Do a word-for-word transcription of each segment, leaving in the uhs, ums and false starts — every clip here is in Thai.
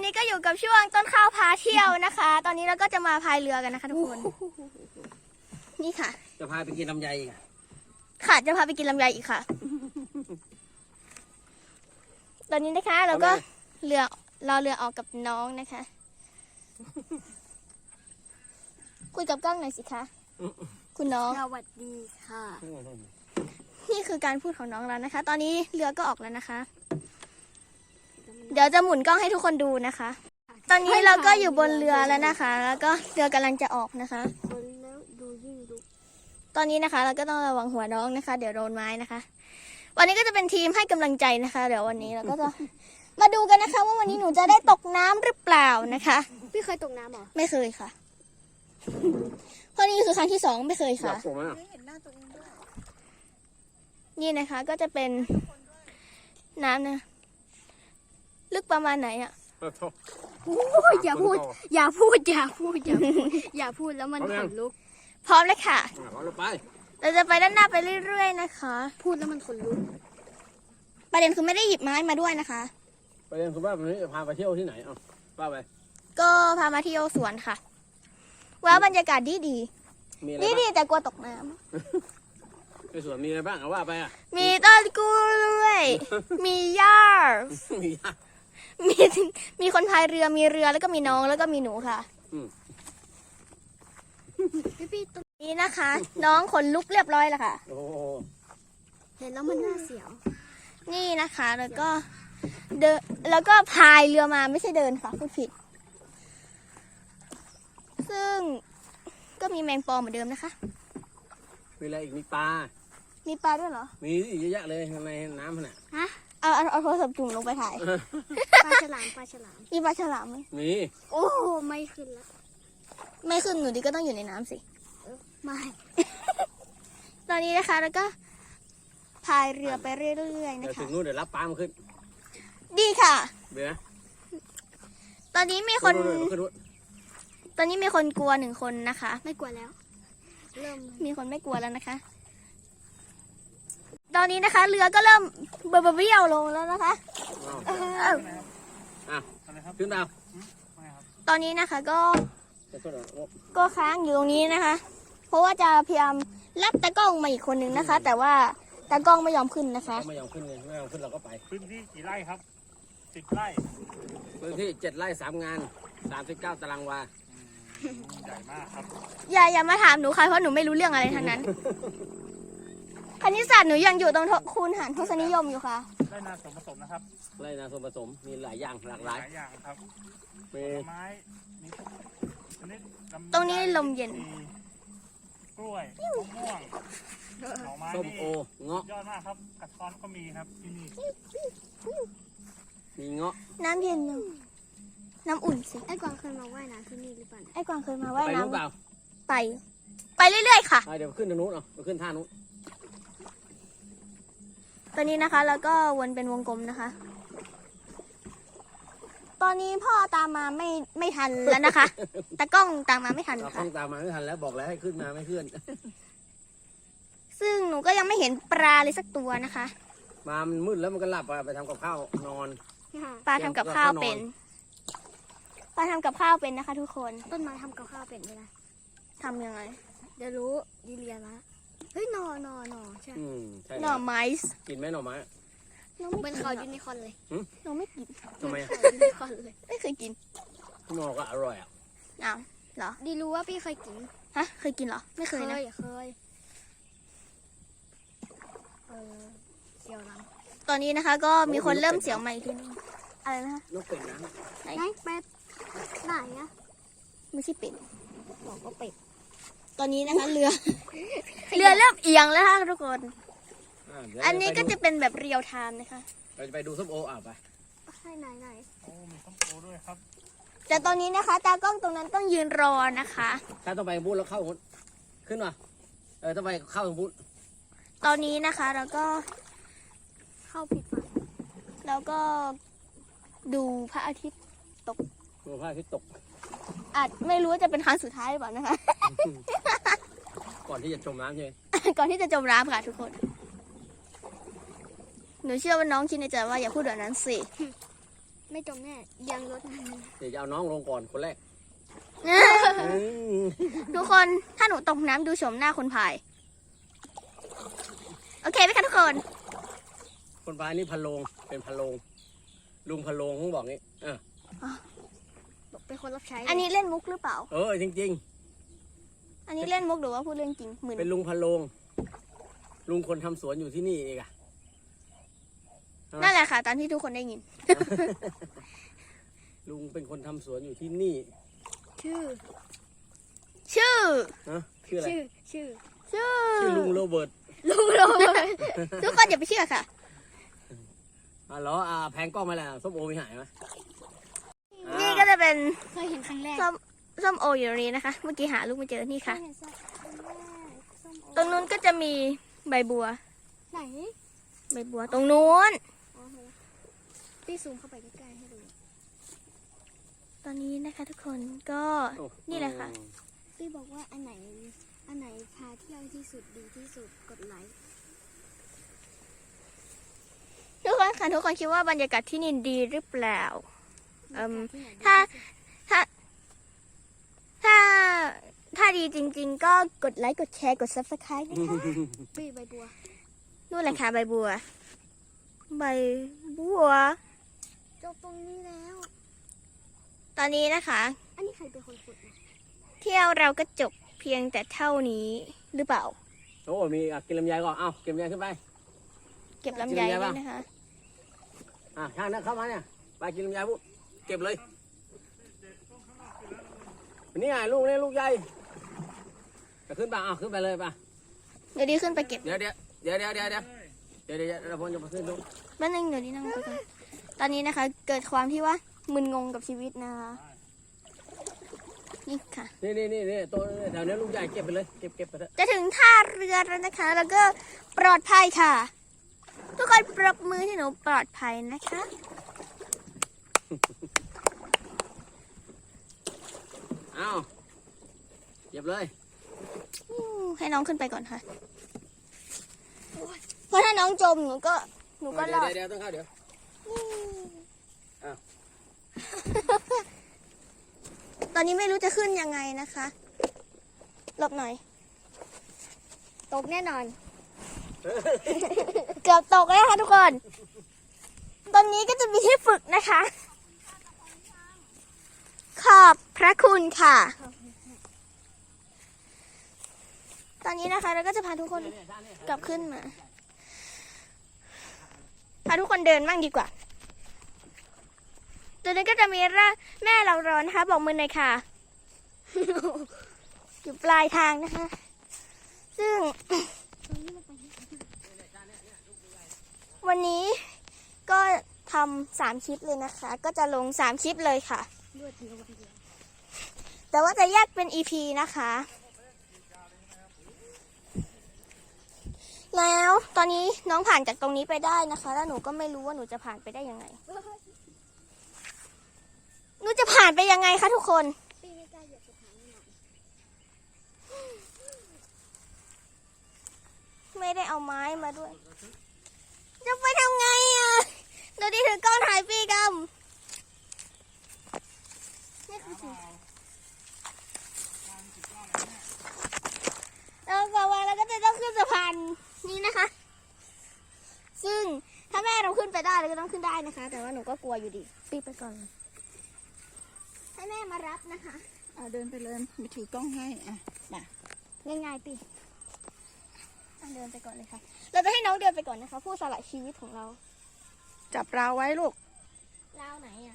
นี้ก็อยู่กับช่วงต้นข้าวพาเที่ยวนะคะ ตอนนี้เราก็จะมาพายเรือกันนะคะทุกคนนี่ค่ะจะพาไปกินลำไยอีกค่ะจะพาไปกินลำไยอีกค่ะ ตอนนี้นะคะเราก็เรือรอเรือออกกับน้องนะคะคุยกับกล้องหน่อยสิคะคุณน้องสวัสดีค่ะนี่คือการพูดของน้องเรานะคะ ตอนนี้เรือก็ออกแล้วนะคะเดี๋ยวจะหมุนกล้องให้ทุกคนดูนะคะตอนนี้เราก็อยู่บนเรือแล้วนะคะ แล้วก็เรือกำลังจะออกนะคะคนแล้วดูยิ่งดูตอนนี้นะคะเราก็ต้องระวังหัวน้องนะคะเดี๋ยวโดนไม้นะคะวันนี้ก็จะเป็นทีมให้กำลังใจนะคะเดี๋ยววันนี้เราก็จะมาดูกันนะคะว่าวันนี้หนูจะได้ตกน้ำหรือเปล่านะคะพี่เคยตกน้ำหรอไม่เคยค่ะเพราะนี่คือครั้งที่สองไม่เคยค่ะนี่นะคะก็จะเป็นน้ำนะลึกประมาณไหนอ่ะโอ้ยอย่าพูดอย่าพูดอย่าพูดอย่าพูดอย่าพูดแล้วมันขนลุกพร้อมเลยค่ะเราไปเราจะไปด้านหน้าไปเรื่อยๆนะคะพูดแล้วมันขนลุกประเด็นคือไม่ได้หยิบไม้มาด้วยนะคะประเด็นคือว่าวันนี้พาไปเที่ยวที่ไหนอ่ะว่าไปก็พามาเที่ยวสวนค่ะว่าบรรยากาศดีดีดีดีแต่กลัวตกน้ำในสวนมีอะไรบ้างเอาว่าไปอ่ะมีต้นกล้วยมีหญ้ามีหญ้ามีมีคนพายเรือมีเรือแล้วก็มีน้องแล้วก็มีหนูค่ะพี่ๆตรงนี้นะคะ น้องขนลุกเรียบร้อยแล้วค่ะโอ้เห็นแล้วมันน่าเสียวนี่นะคะแล้วก็เดินแล้วก็พายเรือมาไม่ใช่เดินค่ะพูดผิดซึ่งก็มีแมงปอเหมือนเดิมนะคะมีอะไรอีกมีปลามีปลาด้วยเหรอมีเยอะแยะเลยในน้ำน่ะฮะเอาเอาเอาโทรศัพท์จุ่มลงไปถ่ายปลาฉลามปลาฉลามมีปลาฉลามไหมมีโอ้ไม่ขึ้นแล้วไม่ขึ้นหนูดีก็ต้องอยู่ในน้ำสิไม่ตอนนี้นะคะแล้วก็พายเรือไปเรื่อยๆนะคะถึงนู่นเดี๋ยวรับปลามาขึ้นดีค่ะเดี๋ยวตอนนี้มีคนตอนนี้มีคนกลัวหนึ่งคนนะคะไม่กลัวแล้วเริ่มมีคนไม่กลัวแล้วนะคะตอนนี้นะคะเรือก็เริ่มเบเบี้ยวลงแล้วนะคะอ่ะขึ้นดาวตอนนี้นะคะก็ก็ค้างอยู่ตรงนี้นะคะ เพราะว่าจะพยายามรับตากล้องมาอีกคนหนึ่งนะคะ แต่ว่าตากล้องไม่ยอมขึ้นนะคะไม่ยอมขึ้นเลยไม่ยอมขึ้นเราก็ไปพื้นที่กี่ไร่ครับสิบไร่พื้นที่เจ็ดไร่สามงานสามสิบเก้าตารางวาใหญ่มากครับอย่าอย่ามาถามหนูค่ะเพราะหนูไม่รู้เรื่องอะไรทั้งนั้นคณิตศาสตร์หนูยังอยู่ตรงคูณหารทศนิยมอยู่ค่ะไร่นาส่วนผสมนะครับไร่นาส่วนผสมมีหลายอย่างหลากหลายหลายอย่างครับมีไม้มีตรงนี้ลมเย็นกล้วยมะม่วงหน่อไม้ส้มโอเงาะยอดมากครับกระท้อนก็มีครับที่นี่มีเงาะน้ำเย็นน้ำอุ่นสิไอ้กวางเคยมาว่ายน้ำที่นี่หรือเปล่าไอ้กวางเคยมาว่ายน้ำไปไปเรื่อยๆค่ะเดี๋ยวขึ้นทางนู้นเอาไปขึ้นท่านู้นตอนนี้นะคะแล้วก็วนเป็นวงกลมนะคะตอนนี้พ่อตามมาไม่ไม่ทันแล้วนะคะตากล้องตามมาไม่ทันค่ะตากล้องตามมาไม่ทันแล้วบอกแล้วให้ขึ้นมาไม่ขึ้นซึ่งหนูก็ยังไม่เห็นปลาเลยสักตัวนะคะมามันมืดแล้วมันก็หลับไปทำกับข้าวนอนปลาทำกับข้าวเป็นปลาทำกับข้าวเป็นนะคะทุกคนต้นไม้ทำกับข้าวเป็นไหมล่ะทำยังไงเดี๋ยวรู้ดีเรียนละเฮ้ยหนอหนอหนอใช่หน่อไม้กินไหมหน่อไม้เป็นเขายูนิคอร์นเลยหนูไม่กินทำไมยูนิคอร์นเลยไม่เคยกินหน่อก็อร่อยอ่ะอ้าวเหรอดีรู้ว่าพี่เคยกินฮะเคยกินเหรอไม่เคยนะเคยเออเสียวหลังตอนนี้นะคะก็มีคนเริ่มเสียวใหม่ทีนึงอะไรนะคะนกเป็ดนะไหนเป็ดไหนอะไม่ใช่เป็ดบอกว่าเป็ดตอนนี้นะคะเรือเรือเริ่มเอียงแล้วค่ะทุกคนอันนี้ก็จะเป็นแบบเรียลไทม์นะคะเราจะไปดูส้มโออ่ะไปให้ไหนไหนโอ้มีส้มโอด้วยครับแต่ตอนนี้นะคะตากล้องตรงนั้นต้องยืนรอนะคะถ้าต้องไปบูธแล้วเข้าขึ้นมาเออต้องไปเข้าบูธตอนนี้นะคะเราก็เข้าผิดฝั่งแล้วก็ดูพระอาทิตย์ตกดูพระอาทิตย์ตกอาจไม่รู้ว่าจะเป็นครั้งสุดท้ายหรือเปล่านะคะก่อนที่จะจมน้ำใช่ไหมก่อนที่จะจมน้ำค่ะทุกคนหนูเชื่อว่าน้องคิดในใจว่าอย่าพูดแบบนั้นสิไม่จมแน่ยางรถมันเดี๋ยวจะเอาน้องลงก่อนคนแรกทุกคนถ้าหนูตกน้ำดูโฉมหน้าคนพาย โอเคไหมคะทุกคนคนพายนี่พะโลงเป็นพะโลงลุงพะโลงเขาบอกงี้เออเป็นคนรับใช้อันนี้เล่นมุกหรือเปล่าเออจริงอันนี้เล่นมุกหรือว่าพูดเรื่องจริงหมื่นๆ เป็นลุงพะโลงลุงคนทำสวนอยู่ที่นี่เองอะนั่นแหละค่ะตอนที่ทุกคนได้ยินลุงเป็นคนทำสวนอยู่ที่นี่ชื่อชื่อนะชื่ออะไรชื่อชื่อชื่อชื่อลุงโรเบิร์ตลุงโรเบิร์ตทุกคนอย่าไปเชื่อค่ะอ๋อเหรออ่าแพงกล้องไหมล่ะส้มโอมีหายไหมอ่านี่ก็จะเป็นเคยเห็นครั้งแรกส้มส้มโออยู่ตรงนี้นะคะ เมื่อกี้หาลูกไม่เจอนี่ค่ะเคยเห็นสักครั้งแรกส้มโอตรงนู้นก็จะมีใบบัวไหนใบบัวตรงนู้นอ๋อเห็นแล้วพี่ซูมเข้าไปใกล้ๆให้ดูตอนนี้นะคะ ทุกคนก็โอ้นี่แหละค่ะพี่บอกว่าอันไหนอันไหนพาเที่ยวที่สุดดีที่สุดกดไลค์ทุกคนค่ะทุกคนคิดว่าบรรยากาศที่นี่ดีหรือเปล่า เอิ่มที่ไหนดีถ้าที่สุดถ้า ถ้า ถ้าดีจริง ๆ ก็กดไลค์ กดแชร์ กด ซับสไครบ์ นะคะพี่ใบบัวนู่นแหละค่ะใบบัว ใบบัวจบตรงนี้แล้วตอนนี้นะคะอันนี้ใครเป็นคนขุดนะเที่ยวเราก็จบเพียงแต่เท่านี้หรือเปล่าโอ้มีอ่ะกินลำไยก่อนเอ้ากินลำไยขึ้นไปเก็บลำไยด้วยนะคะอ่ะช่างนะเข้ามาเนี่ยไปกินลำไยปุ๊บเก็บเลยนี่ไงลูกนี่ลูกใหญ่จะขึ้นไปอ่ะขึ้นไปเลยป่ะเดี๋ยวดีขึ้นไปเก็บเดี๋ยวเดี๋ยวเดี๋ยวเดี๋ยวเดี๋ยวเดี๋ยวเดี๋ยวเดี๋ยวเราพนจะมาขึ้นดูแป๊บนึงเดี๋ยวดีนั่งไปก่อนตอนนี้นะคะ เกิดความที่ว่ามึนงงกับชีวิตนะคะ นี่ค่ะนี่นี่นี่นี่ตัวแถวนี้ลูกใหญ่เก็บไปเลยเก็บเก็บไปเถอะจะถึงท่าเรือแล้วนะคะ แล้วก็ปลอดภัยค่ะ ทุกคนปรบมือที่หนูปลอดภัยนะคะเอ้าเก็บเลยอืมให้น้องขึ้นไปก่อนค่ะ เพราะถ้าน้องจมหนูก็หนูก็รเดี๋ยวอดเดี๋ยวต้องเข้าเดี๋ยว อ้าวตอนนี้ไม่รู้จะขึ้นยังไงนะคะหลบหน่อยตกแน่นอนเกือบตกแล้วค่ะทุกคน ตอนนี้ก็จะมีที่ฝึกนะคะ ขอบพระคุณค่ะ ตอนนี้นะคะเราก็จะพาทุกคนกลับขึ้นมา พาทุกคนเดินบ้างดีกว่า ตัวนี้ก็จะมีร่างแม่เราร้อนนะคะ บอกมือหน่อยค่ะ อยู่ปลายทางนะคะ ซึ่ง วันนี้ก็ทำสามคลิปเลยนะคะ ก็จะลงสามคลิปเลยค่ะรวดเดียววันเดียวแต่ว่าจะแยกเป็น อี พี นะคะ แล้วตอนนี้น้องผ่านจากตรงนี้ไปได้นะคะ แล้วหนูก็ไม่รู้ว่าหนูจะผ่านไปได้ยังไง หนูจะผ่านไปยังไงคะทุกคนปีไม่กล้าเหยียบสถานหน่อยไม่ได้เอาไม้มาด้วย จะไปทำไงอ่ะเดี๋ยวดีถือกล้องถ่ายปีกำนี่คือสิ่งแล้วก็ว่าเราก็จะต้องขึ้นสะพานนี้นะคะ ซึ่งถ้าแม่เราขึ้นไปได้เราก็ต้องขึ้นได้นะคะ แต่ว่าหนูก็กลัวอยู่ดีปีไปก่อน ให้แม่มารับนะคะอ่ะเดินไปเลยไปถือกล้องให้อ่ะมาง่ายๆปีอ่ะเดินไปก่อนเลยค่ะ เราจะให้น้องเดินไปก่อนนะคะ ผู้สละชีวิตของเราจับราวไว้ลูกลาวไหนอ่ะ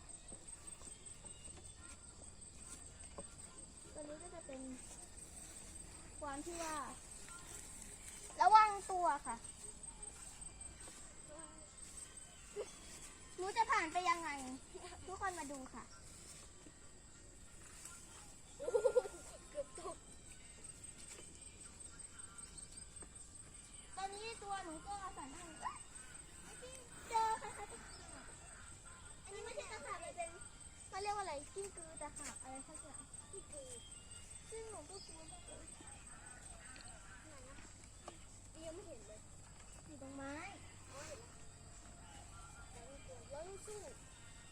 ตัวนี้ก็จะเป็นความที่ว่า ระวังตัวค่ะ หนูจะผ่านไปยังไง ทุกคนมาดูค่ะ ตอนนี้ตัวหนูก็สั่นให้เอ้ยไอ้ที่เจอใครๆก็เจออันนี้ไม่ใช่ตะขาบเลยเป็นมันเรียกว่าอะไรกิ้งกือตะขาบอะไรสักอย่างกิ้งกือซึ่งหนูก็กลัวมากเลยไหนนะยังไม่เห็นเลยอยู่ตรงไม้อ๋อเห็นแล้วแต่ไม่กลัวแล้วลูกสู้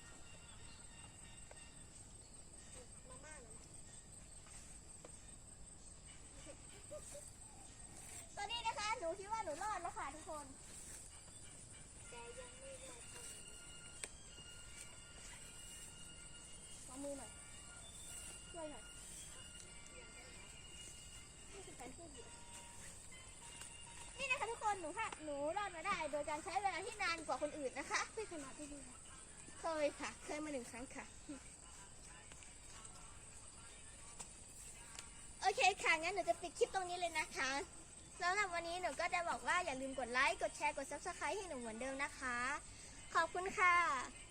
หนูรอดมาได้ โดยการใช้เวลาที่นานกว่าคนอื่นนะคะไม่ขนาดที่ดีเคยค่ะ เคยมาหนึ่งครั้งค่ะ โอเคค่ะ งั้นหนูจะปิดคลิปตรงนี้เลยนะคะสำหรับวันนี้หนูก็จะบอกว่าอย่าลืมกดไลค์ กดแชร์ กด ซับสไครบ์ ให้หนูเหมือนเดิมนะคะ ขอบคุณค่ะ